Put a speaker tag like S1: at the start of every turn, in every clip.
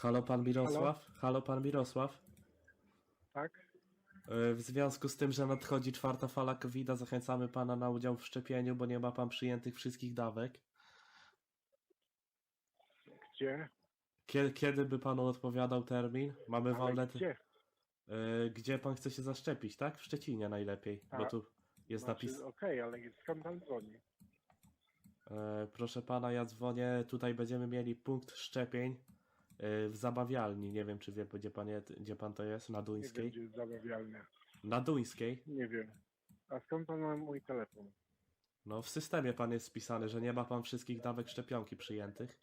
S1: Halo pan
S2: Halo?
S1: Mirosław? Halo pan Mirosław?
S2: Tak?
S1: W związku z tym, że nadchodzi czwarta fala COVID-a, zachęcamy pana na udział w szczepieniu, bo nie ma pan przyjętych wszystkich dawek.
S2: Gdzie?
S1: Kiedy by panu odpowiadał termin? Mamy
S2: Ale
S1: wolne.
S2: gdzie?
S1: Gdzie pan chce się zaszczepić, tak? W Szczecinie najlepiej, bo
S2: Tak.
S1: tu jest napis.
S2: Okej, ale skąd pan dzwoni?
S1: Proszę pana, ja dzwonię. Tutaj będziemy mieli punkt szczepień w zabawialni. Nie wiem, czy wie, gdzie pan to jest? Na
S2: Nie wiem,
S1: Duńskiej?
S2: gdzie jest zabawialnia.
S1: Na Duńskiej?
S2: Nie wiem. A skąd pan ma mój telefon?
S1: No, w systemie pan jest spisany, że nie ma pan wszystkich dawek szczepionki przyjętych.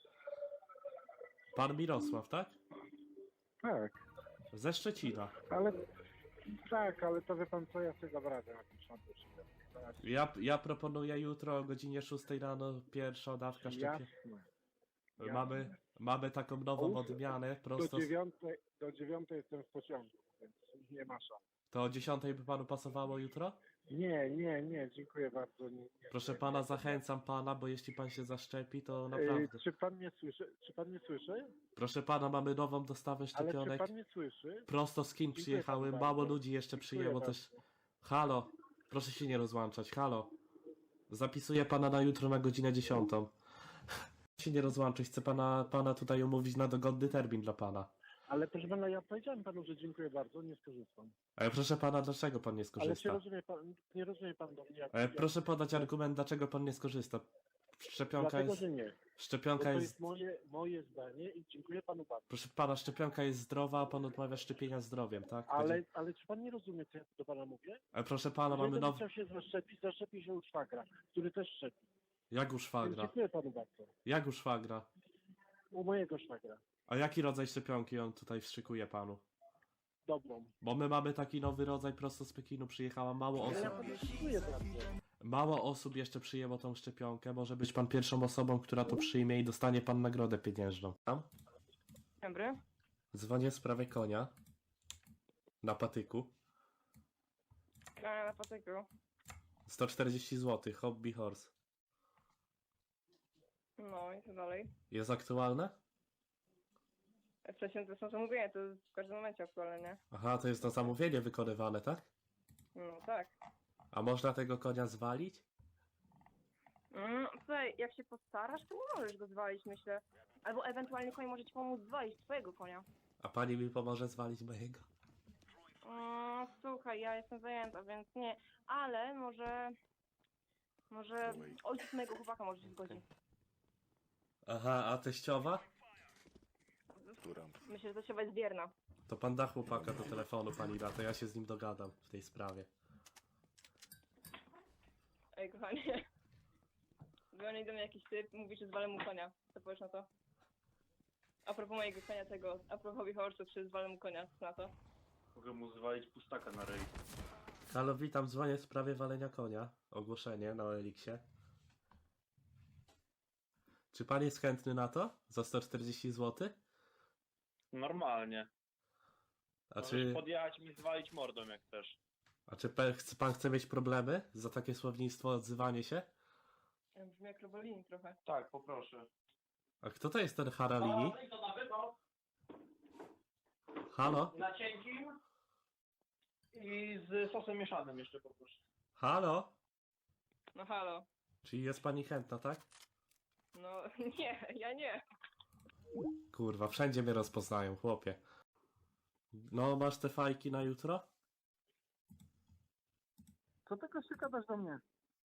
S1: Pan Mirosław, tak?
S2: Tak,
S1: Ze Szczecina.
S2: ale... Tak, ale to wie pan co, ja sobie dam radę napisać na to szybko.
S1: Ja proponuję jutro o godzinie 6 rano pierwsza dawka szczepienia.
S2: Jasne.
S1: Mamy taką nową odmianę prosto.
S2: Do dziewiątej jestem w pociągu, więc nie ma szans.
S1: To o 10 by panu pasowało jutro?
S2: Nie, dziękuję bardzo. Nie,
S1: Proszę
S2: nie,
S1: pana,
S2: nie.
S1: zachęcam pana, bo jeśli pan się zaszczepi, to naprawdę.
S2: Czy pan mnie słyszy?
S1: Proszę pana, mamy nową dostawę
S2: Ale czy
S1: szczepionek.
S2: pan mnie słyszy?
S1: Prosto z Chin
S2: Dziękuję
S1: przyjechały,
S2: panu
S1: mało
S2: bardzo.
S1: ludzi jeszcze
S2: Dziękuję
S1: przyjęło
S2: bardzo.
S1: też. Halo, proszę się nie rozłączać, halo. Zapisuję pana na jutro na godzinę 10. Się nie rozłączyć, chcę pana tutaj umówić na dogodny termin dla pana.
S2: Ale proszę pana, ja powiedziałem panu, że dziękuję bardzo, nie skorzystam.
S1: Ale proszę pana, dlaczego pan nie
S2: Ale czy
S1: skorzysta?
S2: nie rozumie pan do mnie?
S1: Proszę podać argument, dlaczego pan nie skorzysta. Szczepionka
S2: Dlatego,
S1: jest.
S2: że nie. Bo
S1: Szczepionka
S2: to
S1: jest.
S2: jest moje zdanie i dziękuję panu bardzo.
S1: Proszę pana, szczepionka jest zdrowa, a pan odmawia szczepienia zdrowiem, tak?
S2: Ale czy pan nie rozumie, co ja do pana mówię?
S1: Ale proszę pana, mamy
S2: Jeżeli
S1: nowy.
S2: chciał się zaszczepić, zaszczepi się u szwagra, który też szczepi.
S1: Jak u
S2: Więc
S1: szwagra?
S2: dziękuję panu bardzo.
S1: Jak u szwagra?
S2: U mojego szwagra.
S1: A jaki rodzaj szczepionki on tutaj wszykuje panu?
S2: Dobrą.
S1: Bo my mamy taki nowy rodzaj, prosto z Pekinu przyjechała, mało
S2: Ale ja
S1: osób.
S2: panu dziękuję bardzo.
S1: Mało osób jeszcze przyjęło tą szczepionkę. Może być pan pierwszą osobą, która to przyjmie i dostanie pan nagrodę pieniężną. Tam?
S3: Dobry.
S1: Dzwonię w sprawie konia. Na patyku.
S3: Na patyku.
S1: 140 zł, hobby horse.
S3: No i co dalej?
S1: Jest aktualne?
S3: Wcześniej to są zamówienia, to w każdym momencie aktualne, nie?
S1: Aha, to jest na zamówienie wykonywane, tak?
S3: No tak.
S1: A można tego konia zwalić?
S3: Słuchaj, jak się postarasz, to nie możesz go zwalić, myślę. Albo ewentualnie koń może ci pomóc zwalić twojego konia.
S1: A pani mi pomoże zwalić mojego?
S3: Słuchaj, ja jestem zajęta, więc nie. Ale może ojciec mojego chłopaka może się zgodzi.
S1: Aha, a teściowa?
S3: Myślę, że to jest wierna.
S1: To pan da chłopaka do telefonu, pani da, to ja się z nim dogadam w tej sprawie.
S3: Ej, kochanie. Dzwoni do mnie jakiś typ, mówi, że zwalę mu konia. Co powiesz na to? A propos mojego konia tego, a propos wichorców, czy zwalę mu konia, co na to?
S4: Mogę mu zwalić pustaka na rej.
S1: Halo, witam, dzwonię w sprawie walenia konia. Ogłoszenie na Eliksie. Czy pan jest chętny na to? Za 140 zł?
S4: Normalnie.
S1: A
S4: Możesz
S1: czy,
S4: podjechać mi zwalić mordą jak chcesz.
S1: pan chce mieć problemy za takie słownictwo, odzywanie się?
S3: Ja brzmi jak Robolini trochę.
S4: Tak, poproszę.
S1: A kto to jest ten Haralini? Halo?
S4: Na cienkim i z sosem mieszanym jeszcze poproszę.
S1: Halo?
S3: No halo.
S1: Czyli jest pani chętna, tak?
S3: No nie, ja nie.
S1: Kurwa, wszędzie mnie rozpoznają, chłopie. No, masz te fajki na jutro?
S2: Co tego się gadasz do mnie?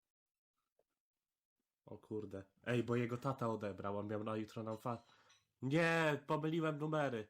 S1: O kurde. Ej, bo jego tata odebrał, on miał na jutro nam Nie, pomyliłem numery.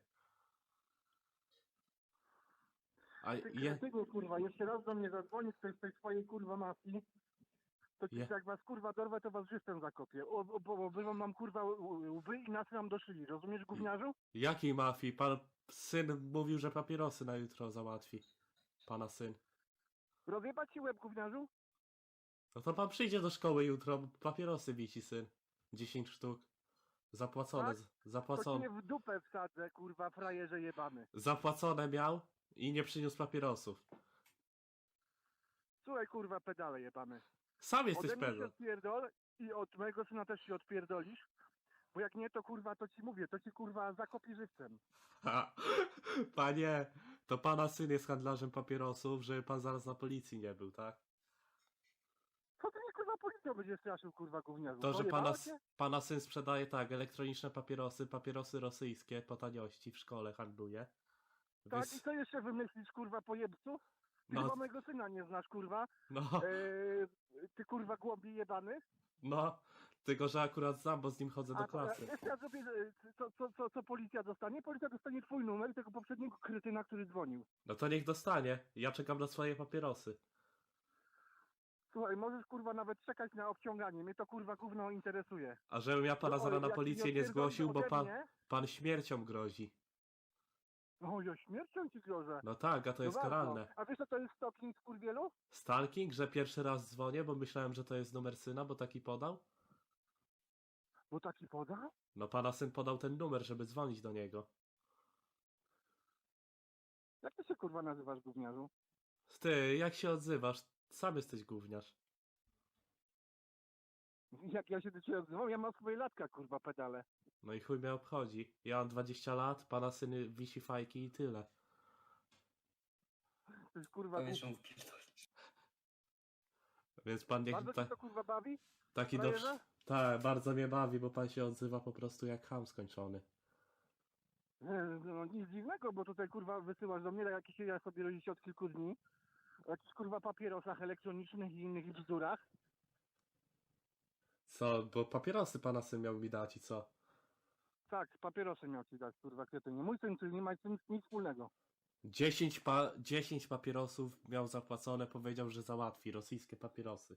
S1: A je...
S2: Tego kurwa, jeszcze raz do mnie zadzwoni ktoś z tej swojej kurwa mafii, to ci jak was kurwa dorwę, to was żywcem zakopię. Bo wywam mam kurwa łby i nas nam doszyli, rozumiesz gówniarzu?
S1: Jakiej mafii? Pan syn mówił, że papierosy na jutro załatwi. Pana syn.
S2: Rozjebać ci łeb gówniarzu?
S1: No to pan przyjdzie do szkoły jutro, papierosy wisi syn. 10 sztuk. Zapłacone,
S2: Tak? To ci
S1: zapłacone.
S2: w dupę wsadzę, kurwa, frajerze jebany.
S1: Zapłacone miał i nie przyniósł papierosów.
S2: Słuchaj kurwa, pedale jebany.
S1: Sam jesteś
S2: Ode mnie się
S1: pedał.
S2: odpierdol i od mojego syna też się odpierdolisz, Bo jak nie, to kurwa, to ci mówię, to ci kurwa zakopi żywcem.
S1: Ha, panie, to pana syn jest handlarzem papierosów, żeby pan zaraz na policji nie był, tak?
S2: Co ty mnie kurwa policją będziesz straszył, kurwa gówniarzu?
S1: To, że
S2: Pojebało cię?
S1: pana syn sprzedaje tak, elektroniczne papierosy, papierosy rosyjskie po taniości w szkole handluje.
S2: Tak,
S1: Więc-
S2: i co jeszcze wymyślisz, kurwa, pojebcu? Ty
S1: No.
S2: chyba mojego syna nie znasz, kurwa.
S1: No,
S2: Ty kurwa głąbi jebany.
S1: no, tylko że akurat znam, bo z nim chodzę do
S2: A
S1: klasy.
S2: wiesz, ja zrobię, co policja dostanie? Policja dostanie twój numer tego poprzedniego kretyna, który dzwonił.
S1: No to niech dostanie, ja czekam na swoje papierosy.
S2: Słuchaj, możesz kurwa nawet czekać na obciąganie, mnie to kurwa gówno interesuje.
S1: A żebym ja pana
S2: No,
S1: zaraz na
S2: jak
S1: policję nie
S2: odpierdolisz
S1: zgłosił, bo
S2: ode mnie-
S1: pan śmiercią grozi.
S2: No ja śmiercią ci grożę.
S1: No tak, a to jest
S2: No bardzo.
S1: karalne.
S2: A wiesz co to jest stalking, skurwielu?
S1: Stalking, że pierwszy raz dzwonię, bo myślałem, że to jest numer syna, bo taki podał?
S2: Bo taki poda?
S1: No pana syn podał ten numer, żeby dzwonić do niego.
S2: Jak ty się kurwa nazywasz, gówniarzu?
S1: Ty, jak się odzywasz? Sam jesteś gówniarz.
S2: Jak ja się do ciebie odzywam? Ja mam swoje latka, kurwa, pedale.
S1: No i chuj mnie obchodzi. Ja mam 20 lat, pana syn wisi fajki i tyle.
S2: To jest kurwa głupi.
S1: Więc pan niech
S2: Bardzo cię to kurwa bawi?
S1: taki do...
S2: frajerze?
S1: Tak, bardzo mnie bawi, bo pan się odzywa po prostu jak ham skończony.
S2: No nic dziwnego, bo tutaj kurwa wysyłasz do mnie jakieś ja sobie rodzicie od kilku dni. O jakichś kurwa papierosach elektronicznych i innych bzdurach.
S1: Co, bo papierosy pana syn miał mi dać i co?
S2: Tak, papierosy miał ci dać, kurwa, kretynie. Mój syn, czyli nie ma z tym nic wspólnego.
S1: 10 papierosów miał zapłacone, powiedział, że załatwi rosyjskie papierosy.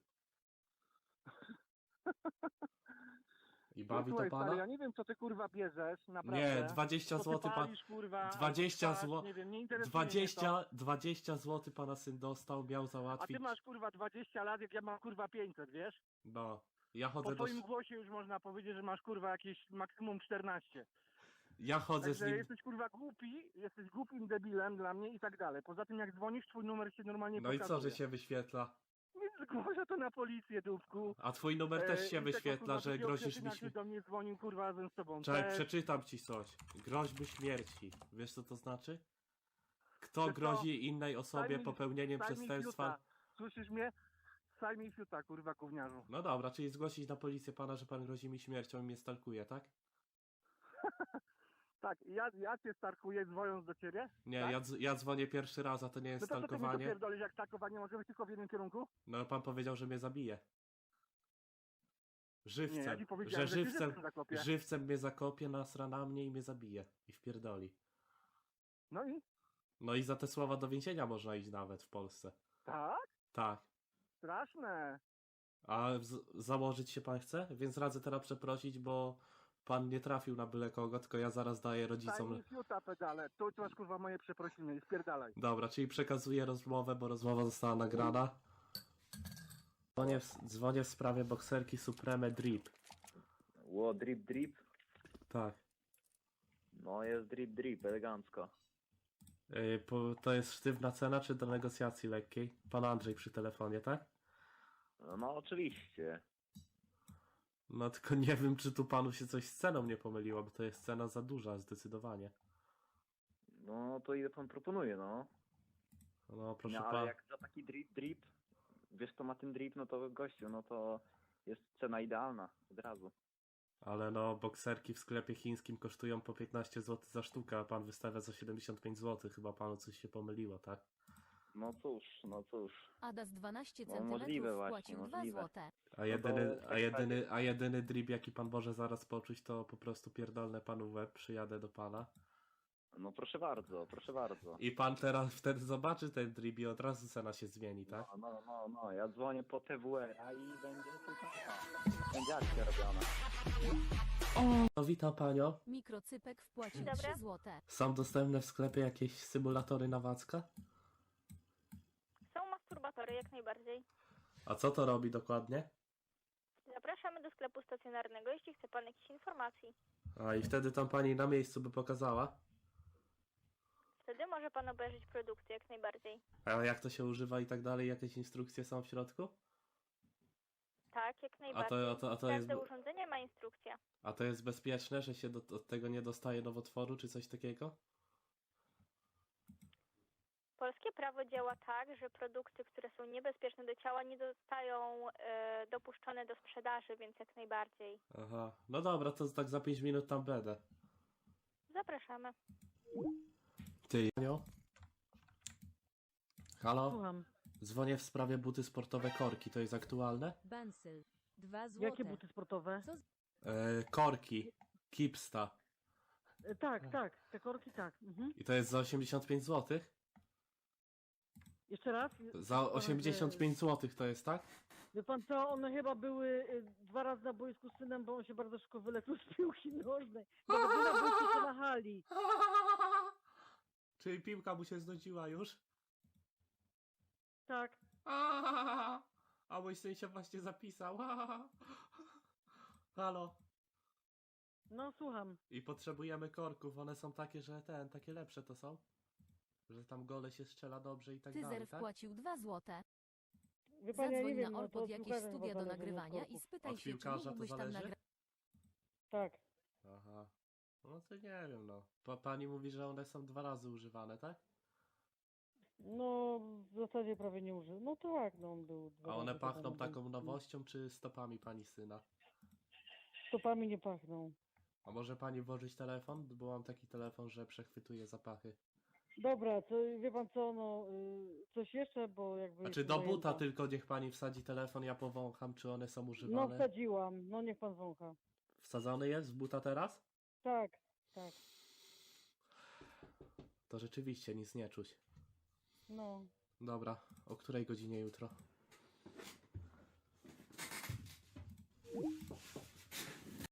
S1: I bawi
S2: Słuchaj,
S1: to
S2: stary,
S1: pana?
S2: ja nie wiem, co ty kurwa bierzesz, naprawdę.
S1: Nie, 20
S2: Co ty
S1: zł pan...
S2: palisz, kurwa,
S1: 20
S2: albo
S1: zł...
S2: spasz, nie wiem, nie interesuje mnie to.
S1: 20 zł pana syn dostał, miał
S2: A
S1: załatwić.
S2: ty masz kurwa 20 lat, jak ja mam kurwa 500, wiesz?
S1: No, ja
S2: Po
S1: chodzę do...
S2: twoim głosie już można powiedzieć, że masz kurwa jakieś maksimum 14.
S1: Ja chodzę z
S2: Także
S1: nim...
S2: jesteś kurwa głupi, jesteś głupim debilem dla mnie i tak dalej. Poza tym jak dzwonisz, twój numer się normalnie
S1: No i
S2: pokazuje.
S1: co, że się wyświetla?
S2: Nie zgłoszę to na policję, dupku.
S1: A twój numer też się
S2: I tego,
S1: wyświetla,
S2: kurwa,
S1: że
S2: drugiego
S1: grozisz mi
S2: kretyna, który do mnie dzwonił kurwa razem z tobą.
S1: Czekaj,
S2: Też.
S1: przeczytam ci coś. Groźby śmierci. Wiesz co to znaczy? Kto
S2: Wiesz co?
S1: grozi innej osobie
S2: mi-
S1: popełnieniem
S2: Saj mi
S1: przestępstwa?
S2: fiuta. Słyszysz mnie? Saj mi fiuta, kurwa, gówniarzu.
S1: No dobra, czyli zgłosić na policję pana, że pan grozi mi śmiercią i mnie stalkuje, tak?
S2: Tak, ja cię starkuję dzwoniąc do ciebie.
S1: Nie,
S2: tak?
S1: ja dzwonię pierwszy raz, a to nie jest
S2: No to co ty mi tu
S1: stalkowanie.
S2: pierdolisz, jak starkowanie może być tylko w jednym kierunku?
S1: No pan powiedział, że mnie zabije.
S2: Nie, ja
S1: Żywcem.
S2: ci powiedziałem,
S1: Że
S2: że
S1: żywcem,
S2: żywcem zakopie.
S1: żywcem mnie zakopie, nasra na mnie i mnie zabije. I wpierdoli.
S2: No i?
S1: No i za te słowa do więzienia można iść nawet w Polsce.
S2: Tak?
S1: Tak.
S2: Straszne.
S1: A założyć się pan chce? Więc radzę teraz przeprosić, bo pan nie trafił na byle kogo, tylko ja zaraz daję
S2: Saj
S1: rodzicom...
S2: mi fiuta, pedale. Tu masz kurwa moje przeprosiny i spierdalaj.
S1: Dobra, czyli przekazuję rozmowę, bo rozmowa została nagrana. Dzwonię w sprawie bokserki Supreme Drip.
S5: Ło, drip, drip?
S1: Tak.
S5: No jest drip, drip, elegancko.
S1: To jest sztywna cena, czy do negocjacji lekkiej? Pan Andrzej przy telefonie, tak?
S5: No oczywiście.
S1: No tylko nie wiem, czy tu panu się coś z ceną nie pomyliło, bo to jest cena za duża, zdecydowanie.
S5: No to ile pan proponuje, no?
S1: No proszę
S5: No ale
S1: pana.
S5: jak za taki drip, drip, wiesz kto ma ten drip, no to gościu, no to jest cena idealna, od razu.
S1: Ale no, bokserki w sklepie chińskim kosztują po 15 zł za sztukę, a pan wystawia za 75 zł. Chyba panu coś się pomyliło, tak?
S5: No cóż, no cóż.
S6: Adas 12
S5: No,
S6: cm
S5: możliwe właśnie,
S6: wpłacił 2
S5: możliwe.
S6: złote.
S1: A jedyny drip, jaki pan może zaraz poczuć, to po prostu pierdolne panu w łeb, przyjadę do pana.
S5: No proszę bardzo, proszę bardzo.
S1: I pan teraz wtedy zobaczy ten drip i od razu cena się zmieni, tak?
S5: No, ja dzwonię po TWR-a i będzie tylko będzie akcja robiona.
S1: No witam panią.
S6: Mikrocypek wpłacił
S7: Dobra.
S6: 3 złote.
S1: Są dostępne w sklepie jakieś symulatory na Wacka?
S7: Są masturbatory jak najbardziej.
S1: A co to robi dokładnie?
S7: Zapraszamy do sklepu stacjonarnego, jeśli chce pan jakichś informacji.
S1: A i wtedy tam pani na miejscu by pokazała?
S7: Wtedy może pan obejrzeć produkcję jak najbardziej.
S1: A jak to się używa i tak dalej? Jakieś instrukcje są w środku?
S7: Tak, jak najbardziej.
S1: a to jest,
S7: Każde urządzenie ma instrukcję.
S1: a to jest bezpieczne, że się od tego nie dostaje nowotworu czy coś takiego?
S7: Polskie prawo działa tak, że produkty, które są niebezpieczne do ciała, nie zostają dopuszczone do sprzedaży, więc jak najbardziej.
S1: Aha, no dobra, to tak za 5 minut tam będę.
S7: Zapraszamy.
S1: Ty, Janio? Halo?
S8: Słucham.
S1: Dzwonię w sprawie buty sportowe Korki, to jest aktualne?
S6: Bansyl. 2 złote.
S8: Jakie buty sportowe?
S1: Korki, Kipsta.
S8: Tak, tak, te korki tak. Mhm.
S1: I to jest za 85 zł?
S8: Jeszcze raz?
S1: Za 85 zł to jest, tak?
S8: Wie pan co, one chyba były 2 razy na boisku z synem, bo on się bardzo szybko wyleczył z piłki nożnej. Nawet nie na boisku, to na hali.
S1: Czyli piłka mu się znudziła już?
S8: Tak.
S1: A mój syn się właśnie zapisał. Halo.
S8: No słucham.
S1: I potrzebujemy korków, one są takie, że takie lepsze to są? Że tam gole się strzela dobrze i tak dalej,
S6: Tyzer
S1: tak?
S6: wpłacił 2 złote.
S8: Wie pan, ja
S6: Zadzwoń
S8: nie wiem,
S6: na
S8: no, to
S6: Orpod
S8: od
S6: jakieś
S8: piłkarzy
S6: studia
S8: chyba
S6: do
S8: zależy od
S6: nagrywania i
S8: korków.
S6: spytaj
S1: Od
S6: się, czy
S1: piłkarza to
S6: mógłbyś tam
S1: zależy?
S6: nagrać.
S8: Tak.
S1: Aha. No to nie wiem, no. Pani mówi, że one są 2 razy używane, tak?
S8: No w zasadzie prawie nie użył. No tak, no on był 2
S1: A one
S8: razy
S1: pachną
S8: chyba na
S1: taką
S8: boisku.
S1: nowością, czy stopami pani syna?
S8: Stopami nie pachną.
S1: A może pani włożyć telefon? Bo mam taki telefon, że przechwytuje zapachy.
S8: Dobra, to wie pan co, no coś jeszcze, bo jakby...
S1: Znaczy
S8: jestem
S1: do buta
S8: zajęta.
S1: tylko niech pani wsadzi telefon, ja powącham, czy one są
S8: No
S1: używane.
S8: wsadziłam, no niech pan wącha.
S1: Wsadzony jest w buta teraz?
S8: Tak, tak,
S1: To rzeczywiście nic nie czuć.
S8: no.
S1: Dobra, o której godzinie jutro?